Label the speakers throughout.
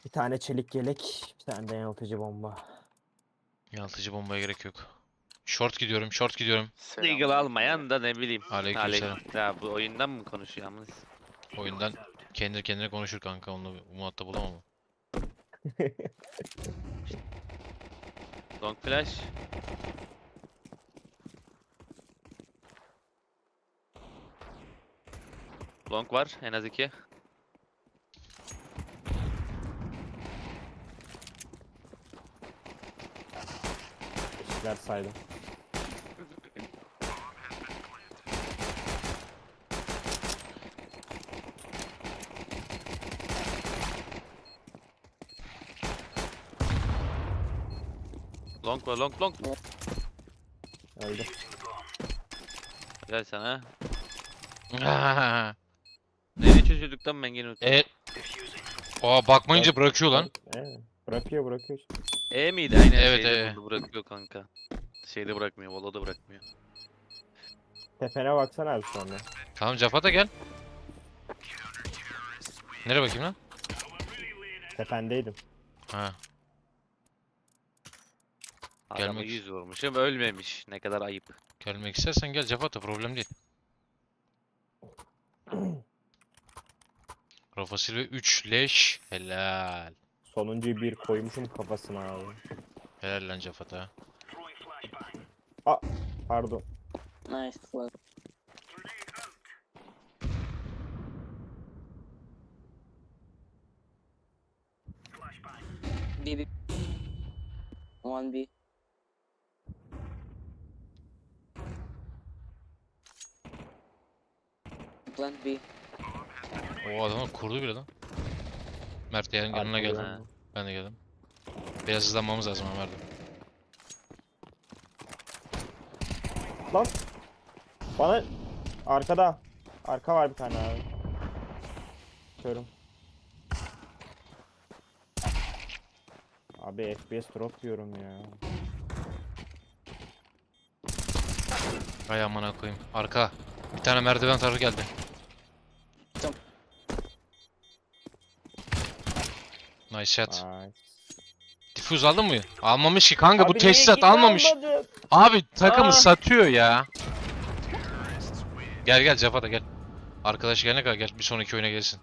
Speaker 1: Bir tane çelik yelek, bir tane de yanıltıcı bomba.
Speaker 2: Yanıltıcı bombaya gerek yok. Short gidiyorum, short gidiyorum.
Speaker 3: Eagle almayan da ne bileyim.
Speaker 2: Aleykümselam.
Speaker 3: Ya bu oyundan mı konuşuyor yalnız?
Speaker 2: Oyundan kendi kendine konuşur kanka, onunla muhatap olamam.
Speaker 3: Long flash. Long var en az 2.
Speaker 1: İşler saydım.
Speaker 3: Long var long.
Speaker 1: Öldü.
Speaker 3: Gel sana.
Speaker 2: Ah!
Speaker 3: Neyle çözüldük lan ben gene unuttum.
Speaker 2: Bakmayınca bırakıyor lan.
Speaker 1: Bırakıyor.
Speaker 3: E miydi? Aynen
Speaker 2: Evet,
Speaker 3: şeyde
Speaker 2: evet.
Speaker 3: buldu, bırakıyor kanka. Şeyde bırakmıyor, volada bırakmıyor.
Speaker 1: Tepene baksana abi sonra.
Speaker 2: Tamam, Cafa da gel. Nereye bakayım lan?
Speaker 1: Tependeydim.
Speaker 2: Ha.
Speaker 3: Adamı
Speaker 2: Gelmek-
Speaker 3: 100 vurmuşum, ölmemiş. Ne kadar ayıp.
Speaker 2: Gelmek istersen gel Cafa da, problem değil. Rafa Silva 3 leş. Helal.
Speaker 1: Sonuncuyu bir koymuşum kafasına abi.
Speaker 2: Helal lan Cafa da.
Speaker 1: Pardon.
Speaker 4: Nice flag. B. 1B. Plant B.
Speaker 2: O adamı kurdu bile lan. Mert yanına
Speaker 1: Arkada
Speaker 2: geldim.
Speaker 3: Ha.
Speaker 2: Ben de geldim. Biraz hızlanmamız lazım Ömer'de.
Speaker 1: Lan. Bana arkada. Arka var bir tane abi. Körüm. Abi FPS drop diyorum ya.
Speaker 2: Ay amına koyayım. Arka. Bir tane merdiven tarafı geldi.
Speaker 4: Tamam.
Speaker 2: Nice shot.
Speaker 1: Ay.
Speaker 2: Diffuse aldın mı? Almamış ki kanka, bu
Speaker 1: Abi niye
Speaker 2: teçhizat
Speaker 1: gitme
Speaker 2: almamış.
Speaker 1: almadın?
Speaker 2: Abi takımı
Speaker 1: Aa.
Speaker 2: satıyor ya. Gel Cafa da gel. Arkadaş gelene kadar gel, bir sonraki oyuna gelsin.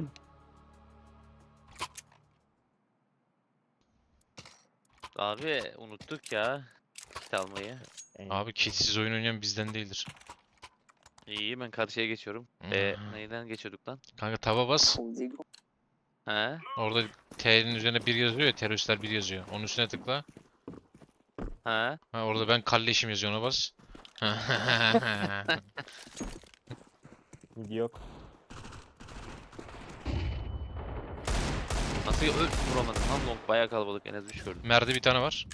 Speaker 3: Abi unuttuk ya. Kit almayı.
Speaker 2: Abi kitsiz oyun oynayan bizden değildir.
Speaker 3: İyi ben karşıya geçiyorum.
Speaker 2: Hmm.
Speaker 3: Neyden geçiyorduk lan?
Speaker 2: Kanka taba bas.
Speaker 4: Full Ziggo.
Speaker 3: He?
Speaker 2: Orada T'nin üzerine bir yazıyor ya, teröristler bir yazıyor. Onun üstüne tıkla.
Speaker 3: He?
Speaker 2: Ha, orada ben kalleşim yazıyor, ona bas.
Speaker 1: Video yok.
Speaker 3: Nasıl vuramadım lan long bayağı kalabalık en az 3 gördüm.
Speaker 2: Merdi bir tane var.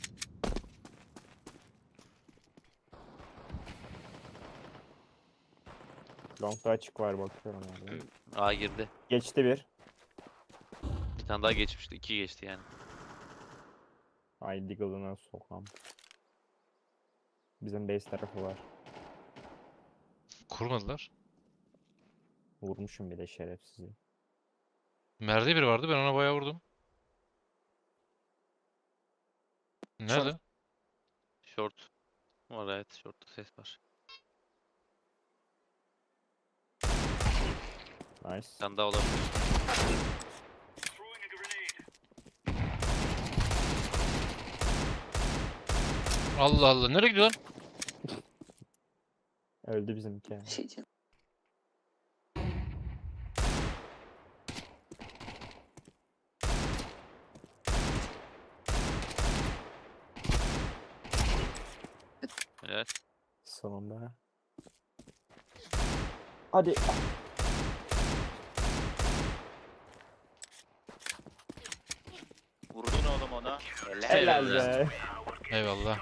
Speaker 1: Long'da açık var bakıyorum abi.
Speaker 3: A girdi.
Speaker 1: Geçti bir.
Speaker 3: Bir tane daha geçmişti. 2 geçti yani.
Speaker 1: Ay Deagle'ına sokam. Bizim base tarafı var.
Speaker 2: Kurmadılar.
Speaker 1: Vurmuşum bir de şerefsizi.
Speaker 2: Merdi biri vardı, ben ona bayağı vurdum. Nerede?
Speaker 3: Short. Var evet short'ta ses var.
Speaker 1: Nice.
Speaker 3: Bir tane daha olabilir.
Speaker 2: Allah Allah, nereye gidiyor lan?
Speaker 1: Öldü bizimki. Yani.
Speaker 4: Shit. Yeah.
Speaker 3: Evet.
Speaker 1: Sonunda. Hadi.
Speaker 5: Vurdun oğlum ona.
Speaker 1: Helal be.
Speaker 2: Eyvallah.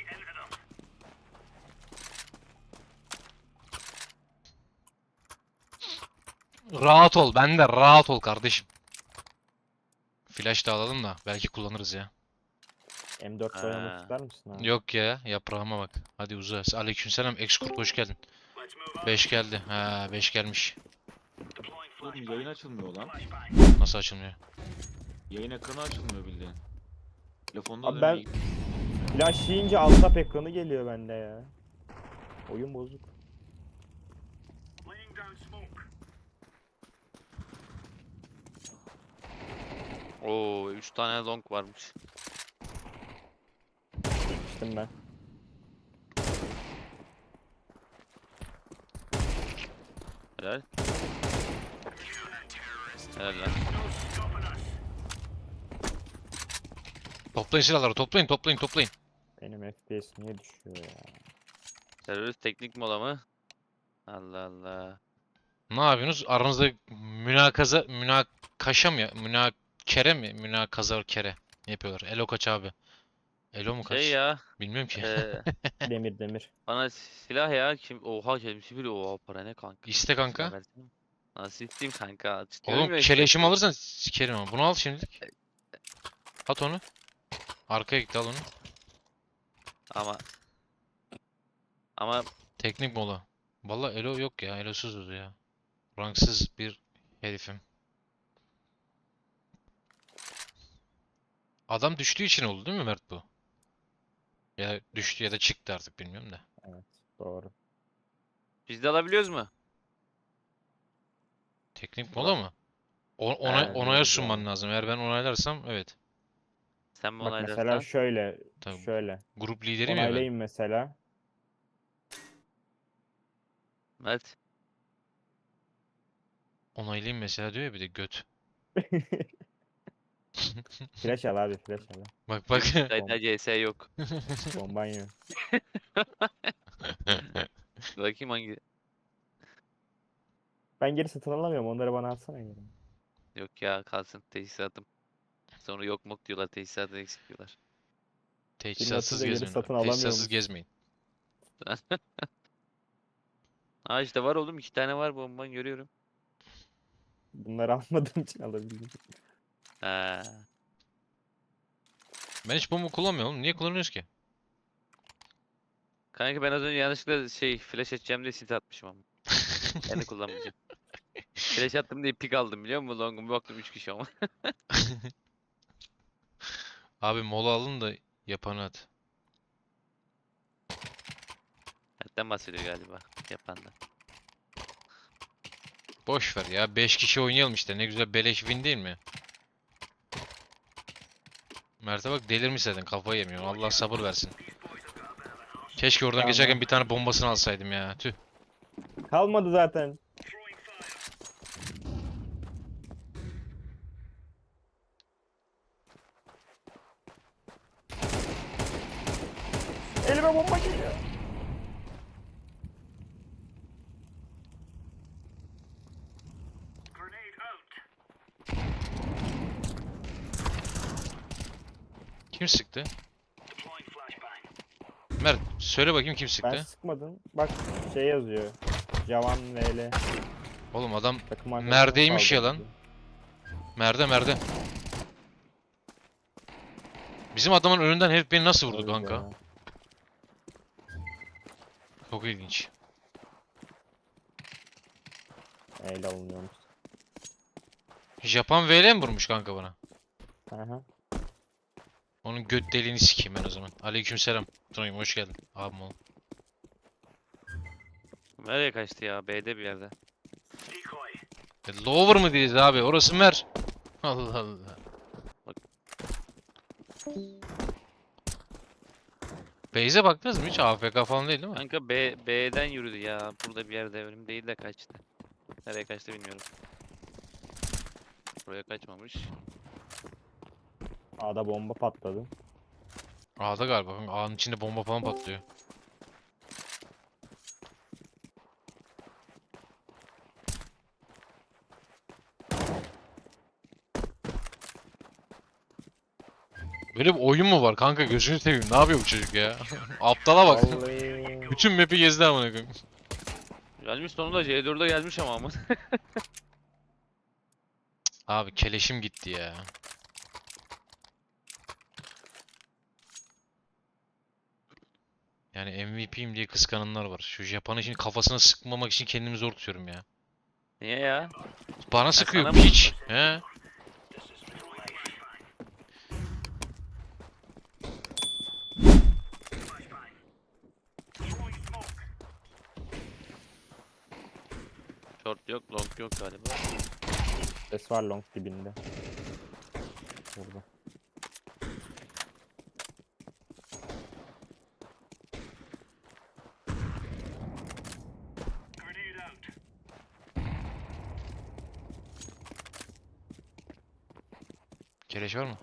Speaker 2: Rahat ol, ben de rahat ol kardeşim. Flash da alalım da belki kullanırız ya.
Speaker 1: M4 oynamak
Speaker 3: Ha.
Speaker 1: ister misin abi?
Speaker 2: Yok ya, yaprağıma bak. Hadi uza. Aleykümselam X-Kurt, hoş geldin. 5 geldi. Ha, 5 gelmiş.
Speaker 5: Oğlum yayın açılmıyor lan.
Speaker 2: Nasıl açılmıyor?
Speaker 5: Yayın ekranı açılmıyor bildiğin. Telefonda
Speaker 1: Abi
Speaker 5: dönüyor.
Speaker 1: Flash yiyince alt tab ekranı geliyor bende ya. Oyun bozuk.
Speaker 3: Oo 3 tane long varmış.
Speaker 1: İçtim ben.
Speaker 3: Helal. Helal lan.
Speaker 2: Toplayın silahları, toplayın, toplayın, toplayın.
Speaker 1: Benim FPS niye düşüyor ya?
Speaker 3: Terörist teknik mola mı? Allah Allah.
Speaker 2: Ne yapıyorsunuz? Aranızda münakaşa mı ya? Münakere mi? Kere. Ne yapıyorlar? Elo kaç abi? Elo mu kaç?
Speaker 3: Şey ya.
Speaker 2: Bilmiyorum ki.
Speaker 1: Demir.
Speaker 3: Bana silah ya. Kim? Oha kelime bir oha para ne kanka?
Speaker 2: İste
Speaker 3: Silah
Speaker 2: kanka.
Speaker 3: versene. Nasıl isteyeyim kanka?
Speaker 2: Oğlum
Speaker 3: Diyorum ya
Speaker 2: keleşimi
Speaker 3: işte.
Speaker 2: alırsan sikerim ama. Bunu al şimdilik. At onu. Arkaya gitti al onu.
Speaker 3: Ama
Speaker 2: Teknik mola. Vallahi elo yok ya. Elosuzuz ya. Ranksız bir herifim. Adam düştüğü için oldu değil mi Mert bu? Ya düştü ya da çıktı artık bilmiyorum da.
Speaker 1: Evet, doğru.
Speaker 3: biz de alabiliyoruz mu?
Speaker 2: Teknik mola mı?
Speaker 1: Evet,
Speaker 2: Onaya
Speaker 1: evet,
Speaker 2: sunman
Speaker 1: yani.
Speaker 2: lazım. Eğer ben onaylarsam evet.
Speaker 3: Sen mi
Speaker 1: Bak mesela
Speaker 3: onaylarsan?
Speaker 1: şöyle.
Speaker 2: Tabii.
Speaker 1: Şöyle.
Speaker 2: Grup lideriyim ya ben.
Speaker 1: Onaylayayım mesela.
Speaker 3: Mert.
Speaker 2: Onaylayayım mesela diyor ya bir de göt.
Speaker 1: Flash al abi, flash al.
Speaker 2: Bak bak.
Speaker 3: Kayıtlar CS yok.
Speaker 1: Bombanyo.
Speaker 3: Bakayım hangi.
Speaker 1: Ben geri satın alamıyorum. Onları bana atsana geri.
Speaker 3: Yok ya kalsın teçhizatım. Sonra yok mok diyorlar teçhizatı eksik diyorlar.
Speaker 2: Teçhizatsız
Speaker 1: atınca geri
Speaker 2: gezmeyin.
Speaker 1: satın
Speaker 2: Teçhizatsız
Speaker 1: alamıyormuş.
Speaker 2: gezmeyin.
Speaker 3: Aa işte var oğlum 2 tane var bomban görüyorum.
Speaker 1: Bunları almadığım için alabildim.
Speaker 3: Ha.
Speaker 2: Ben hiç bomba kullanmıyorum. Niye kullanıyoruz ki?
Speaker 3: Kanka ben az önce yanlışlıkla flash edeceğim diye sit atmışım ama. Yani kullanmayacağım. Flash attım diye pik aldım biliyor musun? Long'um baktım 3 kişi ama.
Speaker 2: Abi mola alın da yapanı at.
Speaker 3: Hatten bahsediyor galiba yapandan.
Speaker 2: Boş ver ya. 5 kişi oynayalım işte. Ne güzel beleş win değil mi? Mert'e bak delirmiş zaten. Kafayı yemiyor. Allah sabır versin. Keşke oradan
Speaker 1: Tamam.
Speaker 2: geçerken bir tane bombasını alsaydım ya. Tüh.
Speaker 1: Kalmadı zaten. Elime bomba geliyor.
Speaker 2: Kim sıktı? Mert söyle bakayım kim
Speaker 1: Ben
Speaker 2: sıktı?
Speaker 1: sıkmadım. Bak şey yazıyor. Javan VL.
Speaker 2: Oğlum adam
Speaker 1: Takım arkadaşına
Speaker 2: Merdeymiş ya
Speaker 1: saldırdı.
Speaker 2: lan. Merde. Bizim adamın önünden herif beni nasıl vurdu
Speaker 1: Öyle
Speaker 2: kanka?
Speaker 1: ya.
Speaker 2: Çok ilginç.
Speaker 1: Ele alınıyormuş.
Speaker 2: Japan VL mi vurmuş kanka bana?
Speaker 1: Aha.
Speaker 2: Onun göt deliğini sikeyim ben o zaman. Aleykümselam. Tunay'ım hoş geldin. Abim oğlum.
Speaker 3: Nereye kaçtı ya? B'de bir yerde.
Speaker 2: Lower mı diyeceğiz abi? Orası mer. Allah Allah. Beyze baktınız mı hiç? AFK falan değil mi?
Speaker 3: Kanka B'den yürüdü ya. Burada bir yerde önüm değil de kaçtı. Nereye kaçtı bilmiyorum. Buraya kaçmamış.
Speaker 1: A'da bomba patladı.
Speaker 2: A'da galiba. A'nın içinde bomba falan patlıyor. Böyle bir oyun mu var kanka gözünü seveyim. Ne yapıyor bu çocuk ya? Aptala bak.
Speaker 1: Vallahi.
Speaker 2: Bütün map'i gezdi amına koyayım.
Speaker 3: Gelmiş sonunda C4'e gelmiş ama.
Speaker 2: Abi keleşim gitti ya. Yani MVP'yim diye kıskananlar var. Şu Japon'u şimdi kafasına sıkmamak için kendimi zor tutuyorum ya.
Speaker 3: Niye ya?
Speaker 2: Bana sıkıyor
Speaker 3: sana mı?
Speaker 2: piç. He.
Speaker 3: yok galiba.
Speaker 1: Ses var long dibinde. Burada.
Speaker 2: Keleş var mı?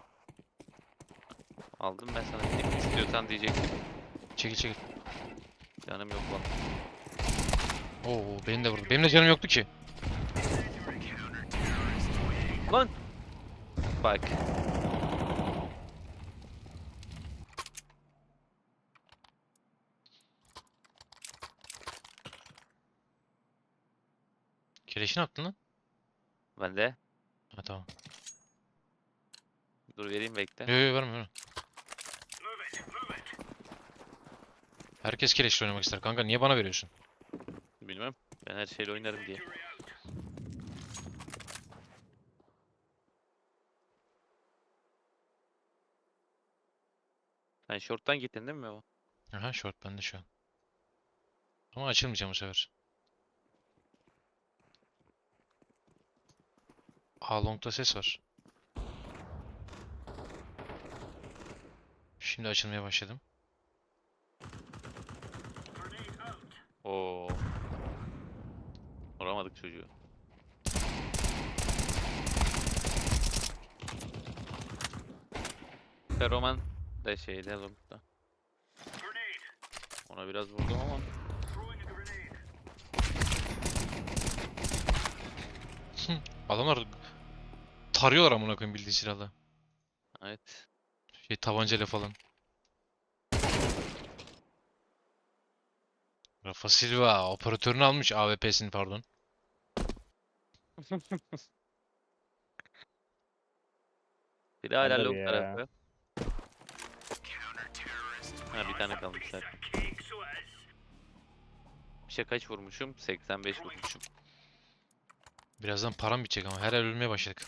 Speaker 3: Aldım ben sana bir tek istiyorsan diyecektim.
Speaker 2: Çekil çekil.
Speaker 3: Canım yok lan.
Speaker 2: Oo benim de vurdu. Benim de canım yoktu ki.
Speaker 3: Lan! Bak.
Speaker 2: Keleşi ne yaptın lan?
Speaker 3: Ben de.
Speaker 2: Ha tamam.
Speaker 3: Dur vereyim bekle.
Speaker 2: Yo yo verme verme. Herkes keleşle oynamak ister kanka. Niye bana veriyorsun?
Speaker 3: Bilmem. Ben her şeyle oynarım diye. Sen short'tan gittin değil mi o?
Speaker 2: Aha short bende şu an. Ama açılmayacağım bu sefer. A long'da ses var. Şimdi açılmaya başladım.
Speaker 3: Oo. Vuramadık çocuğu. Feroman da şeyde long'da. Ona biraz vurdum ama.
Speaker 2: Adamlar tarıyorlar amına koyayım bildiği silahla.
Speaker 3: Evet.
Speaker 2: Şey tabancayla falan. Rafa Silva operatörünü almış AWP'sini pardon.
Speaker 3: Biri hala
Speaker 1: Tabii
Speaker 3: long
Speaker 1: ya.
Speaker 3: tarafı. Ha bir tane kalmış zaten. Bir şey kaç vurmuşum? 85 vurmuşum.
Speaker 2: Birazdan param bitecek ama her el ölmeye başladık.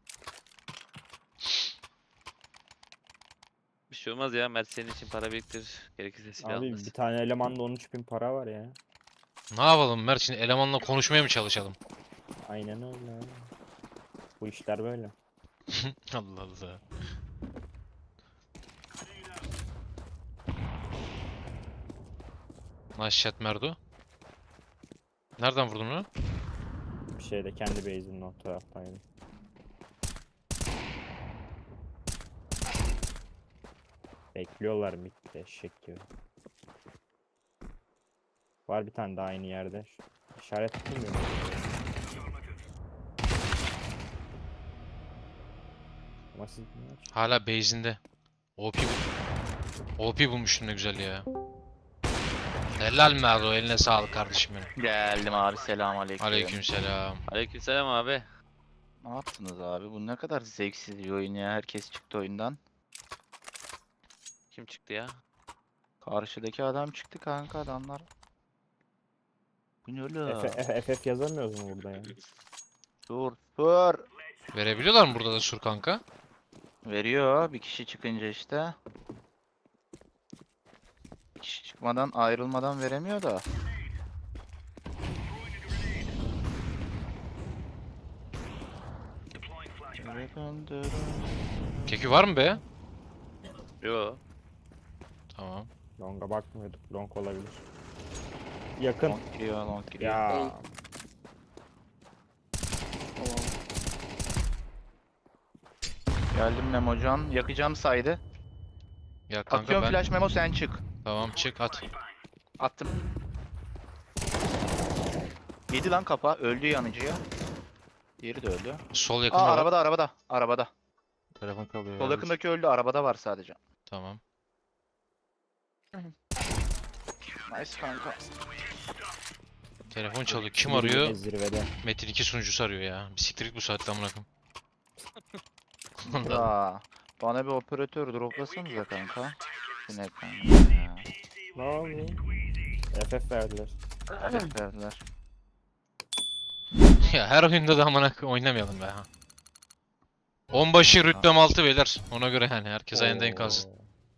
Speaker 3: Bir şey olmaz ya. Mert senin için para biriktir. Gerekirse silah
Speaker 1: Abi
Speaker 3: alırsın.
Speaker 1: bir tane elemanda 13.000 para var ya.
Speaker 2: Ne yapalım Mert şimdi elemanla konuşmaya mı çalışalım?
Speaker 1: Aynen öyle. Bu işler böyle.
Speaker 2: Allah Allah. Nice shot Merdo. Nereden vurdun onu?
Speaker 1: Bir şeyde kendi base'inin o taraftaydı. Bekliyorlar midde eşek gibi. Var bir tane daha aynı yerde. İşaret tutmuyor. Ama siz
Speaker 2: Hala base'inde. OP OP bulmuştun ne güzel ya. Helal Merdo eline sağlık kardeşim benim.
Speaker 6: Geldim abi, selamünaleyküm.
Speaker 2: Aleykümselam.
Speaker 3: Aleykümselam abi.
Speaker 6: Ne yaptınız abi? Bu ne kadar zevksiz bir oyun ya. Herkes çıktı oyundan.
Speaker 3: Kim çıktı ya?
Speaker 6: Karşıdaki adam çıktı kanka, adamlar. Bu ne öyle?
Speaker 1: FF yazamıyoruz mu burada ya?
Speaker 6: Dur dur.
Speaker 2: Verebiliyorlar mı burada da sur kanka?
Speaker 6: Veriyor bir kişi çıkınca işte. Bir kişi çıkmadan, ayrılmadan veremiyor da.
Speaker 2: Keki var mı be?
Speaker 3: Yo.
Speaker 2: Tamam.
Speaker 1: Long'a bakmıyorduk. Long olabilir. Yakın.
Speaker 6: Long giriyor, long giriyor.
Speaker 1: Ya.
Speaker 6: Geldim Memocan. Yakacağım saydı.
Speaker 2: Ya kanka
Speaker 6: Atıyorum
Speaker 2: ben...
Speaker 6: flash Memo, sen çık.
Speaker 2: Tamam çık at.
Speaker 6: Attım. Yedi lan kafa. Öldü yanıcıya. Diğeri de öldü.
Speaker 2: Sol
Speaker 6: Aa,
Speaker 2: yakında var.
Speaker 6: arabada arabada. Arabada.
Speaker 2: Telefon kalıyor.
Speaker 6: Sol
Speaker 2: ya.
Speaker 6: yakındaki öldü. Arabada var sadece.
Speaker 2: Tamam.
Speaker 6: Nice kanka.
Speaker 2: Telefon çalıyor. Kim
Speaker 1: Zirvede,
Speaker 2: arıyor?
Speaker 1: Zirvede.
Speaker 2: Metin 2 sunucusu arıyor ya. Bir siktir git bu saatte amına koyayım.
Speaker 6: Ya, bana bir operatör droplasanıza kanka. Bu ne kanka ya?
Speaker 1: Ne oldu? FF verdiler.
Speaker 6: Evet verdiler.
Speaker 2: Ya her oyunda da amına koyayım oynamayalım be ha. Onbaşı rütbem 6 beyler. Ona göre yani herkes ayında kalsın.
Speaker 1: Oo.